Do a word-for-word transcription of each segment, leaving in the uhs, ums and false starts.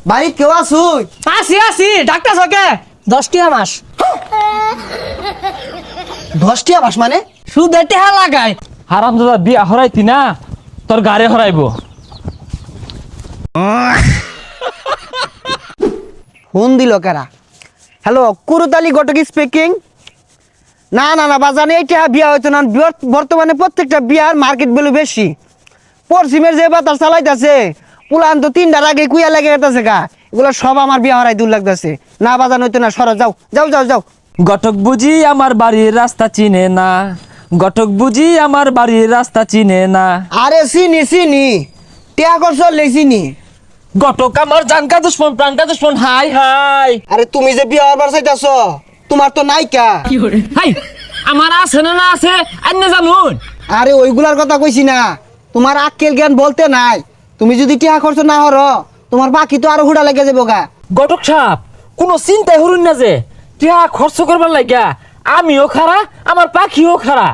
বাড়ি কেউ আসুই? আসি আসি ডাক্তার সকে দশটিয়া মাস দশটিয়া মাস মানে? সুদে টেহা লাগায়। হারাম দাদা বিয়া হরাইতি না তোর গাড়ি হরাইব। ফোন দিল কারা? Hello, Kurutali Ghatak speaking. না না না বাজানে এইটা বিয়া হইতো না। বিয়র- বর্তমানে প্রত্যেকটা বিয়ার মার্কেট ভ্যালু বেশি। পশ্চিমের যে বাতাস চালাইতেছে পুলান তো তিনটার আগে কুইয়া লেগে গেছে গা। এগুলো সব আমার বিয়া হরাই দূর লাগতেছে। না বাজান হইতো না, সরো যাও যাও যাও যাও। গটক বুঝি আমার বাড়ির রাস্তা চিনে না, গটক বুঝি আমার বাড়ির রাস্তা চিনে না। আরে চিনি চিনি, টিয়া করছ চিনি। গটক আমার জানকা দুশ্মন প্রাণকা দুশ্মন। হাই হাই আরে তুমি যে বিয়া হবার চাইতেছ তোমার তো নাইকা। হাই আমার আছে না না আছে আন্য জানুন। আরে ওইগুলার কথা কইছি না, তোমার আক্কেল জ্ঞান বলতে নাই। তুমি যদি টিয়া খরচ না হর তোমার বাকি তো আরো হুড়া লেগে যাবো গা। গটক সাপ কোনো চিন্তাই হরুন না যে টিয়া খরচ করবার লাগিয়া আমিও খারা আমার পাখিও খারা।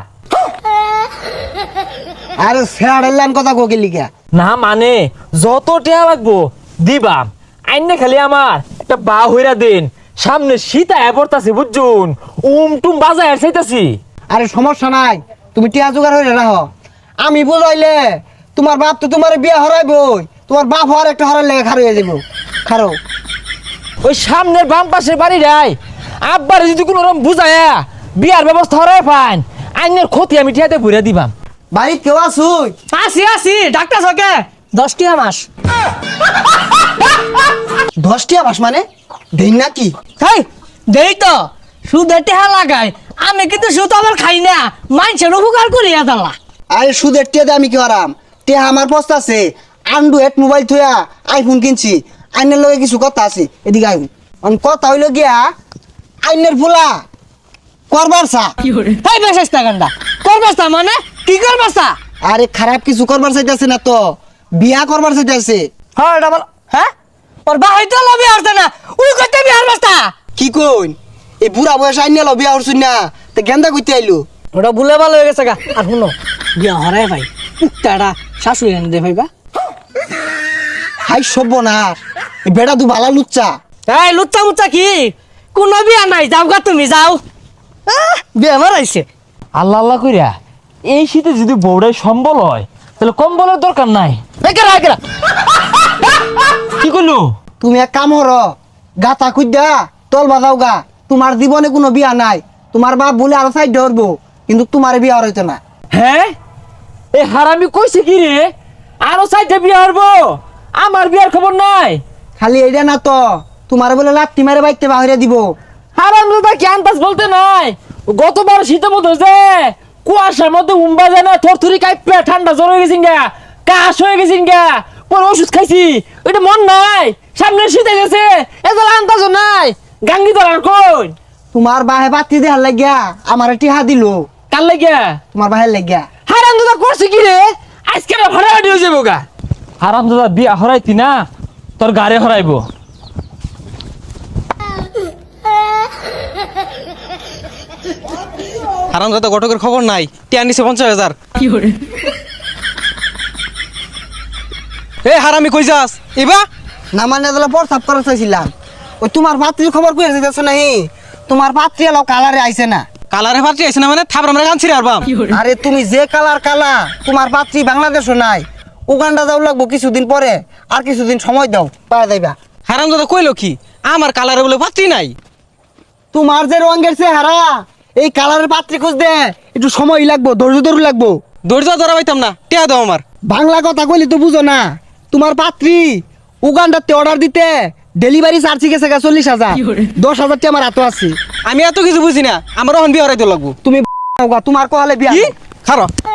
আরে ফেয়ার কথা কোকে লিখা। না মানে যত টিয়া লাগবো দিবাম, আইনে খালি আমার একটা বা হইরা দিন। সামনে শীত আয়া পড়তাছি বুঝছুন, উম টুম বাজায় চাইতাছি। আরে সমস্যা নাই, তুমি টিয়া জোগাড় হইলে রাখো। আমি বুঝাইলে তোমার বাপ তো তোমার বিয়া হরাইবই, তোমার বাপ হওয়ার একটা হরার লেগে খারো হয়ে যাবো। খারো ওই সামনের বাম পাশের বাড়ি রাই আব্বার যদি কোনো রকম বুঝায়া বিয়ার ব্যবস্থা হরাই পান, আইনের ক্ষতি আমি টিয়াতে ভরে দিবাম। বাড়ি কেউ আসুই? আসি আসি ডাক্তার সকে দশটিয়া মাস। দশটিয়া মাস মানে দিন নাকি? হাই দেই তো সুদে টেহা লাগায়। আমি কিন্তু সুদ আবার খাই না, মানুষের উপকার করিয়া দালা। আরে সুদের টিয়া দিয়ে আমি কি হরাম? টিয়া আমার পস্তা আছে, আন্ড্রয়েড মোবাইল থুয়া আইফোন কিনছি। আইনের লগে কিছু কথা আছে, এদিকে আইন। অন কথা হইল গিয়া আইনের ফুলা করবার চা। হাই বেশা গান্ডা করবাস্তা মানে কি করবাস্তা? আরে খারাপ কিছু করবার চাইতেছে না তো, বিয়া করবার চাইতেছে। হ্যাঁ এটা বল। হ্যাঁ ওর বা হইতে লবি আসতে না, উই করতে বিহার বাস্তা। কি কইন? এই বুড়া বয়স আইনে লো বিয়া হরছুন না, তো গেন্দা কইতে আইলো। ওটা ভুলে ভালো হয়ে গেছে গা। আর শুনো বিয়া হরাই ভাই উত্তাটা শাশুড়ি এনে দে ভাইবা। হাই সভ্য না, এই বেড়া দু ভালা লুচ্চা। এই লুচ্চা মুচ্চা কি কোনো বিয়া নাই, যাও গা তুমি যাও। আহ, বিয়া মারাইছে। আল্লাহ আল্লাহ কইরা এই শীতে যদি বউড়াই সম্বল হয় তাহলে কম্বলের দরকার নাই। একেরা একেরা কি করলো? তুমি এক কাম হর, গাতা খুঁজা তল বাজাও গা। তোমার জীবনে কোনো বিয়া নাই, তোমার বাপ বলে আরো সাইড ধরবো, কিন্তু তোমার বিয়া হইতো না। হ্যাঁ এই হারামি কইছে কি রে আরো চারটা বিয়া হরবো? আমার বিয়ার খবর নাই। খালি এইটা না তো, তোমার বলে লাত্তি মারে বাইতে বাহিরে দিব। হারাম দাদা কি আন্দাজ বলতে নাই? গতবার শীতের মধ্যে যে কুয়াশার মধ্যে উম্বা যায় না, থরথরি কাইপে ঠান্ডা জ্বর হয়ে গেছিন গা, কাশ হয়ে গেছিন গা, পরে ওষুধ খাইছি। ওইটা মন নাই, সামনে শীতে গেছে এত আন্দাজও নাই। গাঙ্গি ধরার কই তোমার বাহে বাতি দেহার লাগিয়া আমার টিহা দিল। কার লাগিয়া? তোমার বাহের লাগিয়া। হারাম দাদা করছে কি রে? আজকে ভাড়াটি হয়ে যাবো গা। হারাম দাদা বিয়া হরাইতি না তোর গাড়ি হরাইব। হারাম দাদা ঘটকের খবর নাই, টিয়া নিছে পঞ্চাশ হাজার। এ হারামি কই যাস এবা? না মানে তাহলে প্রস্তাব করা চাইছিলাম। ওই তোমার পাত্রীর খবর কই যেতেছ নাই? তোমার পাত্রী এলো কালারে আইছে না। কালারে ফাটি আইছে না মানে থাবরা আমরা কানছি রে আরবাম। আরে তুমি যে কালার কালা, তোমার পাত্রী বাংলাদেশও নাই, উগান্ডা যাও লাগবো কিছুদিন পরে। আর কিছুদিন সময় দাও, পাওয়া যাইবা। হারাম দাদা কইলো কি আমার কালারে বলে ফাটি নাই? তোমার যে রঙের চেহারা, এই কালারের পাত্রী খুঁজতে একটু সময় লাগবো, ধৈর্য ধরু লাগবো। ধৈর্য ধরা পাইতাম না, টিয়া দাও আমার। বাংলা কথা কইলে তো বুঝো না। তোমার পাত্রী উগান্ডাতে অর্ডার দিতে ডেলিভারি চার্জ গেছে গা চল্লিশ হাজার। দশ হাজারটি আমার হাতে আছে। আমি এত কিছু বুঝি না, আমার ওখান বিয়ে হরাইতে লাগবো। তুমি তোমার কহালে বিয়া কি খারো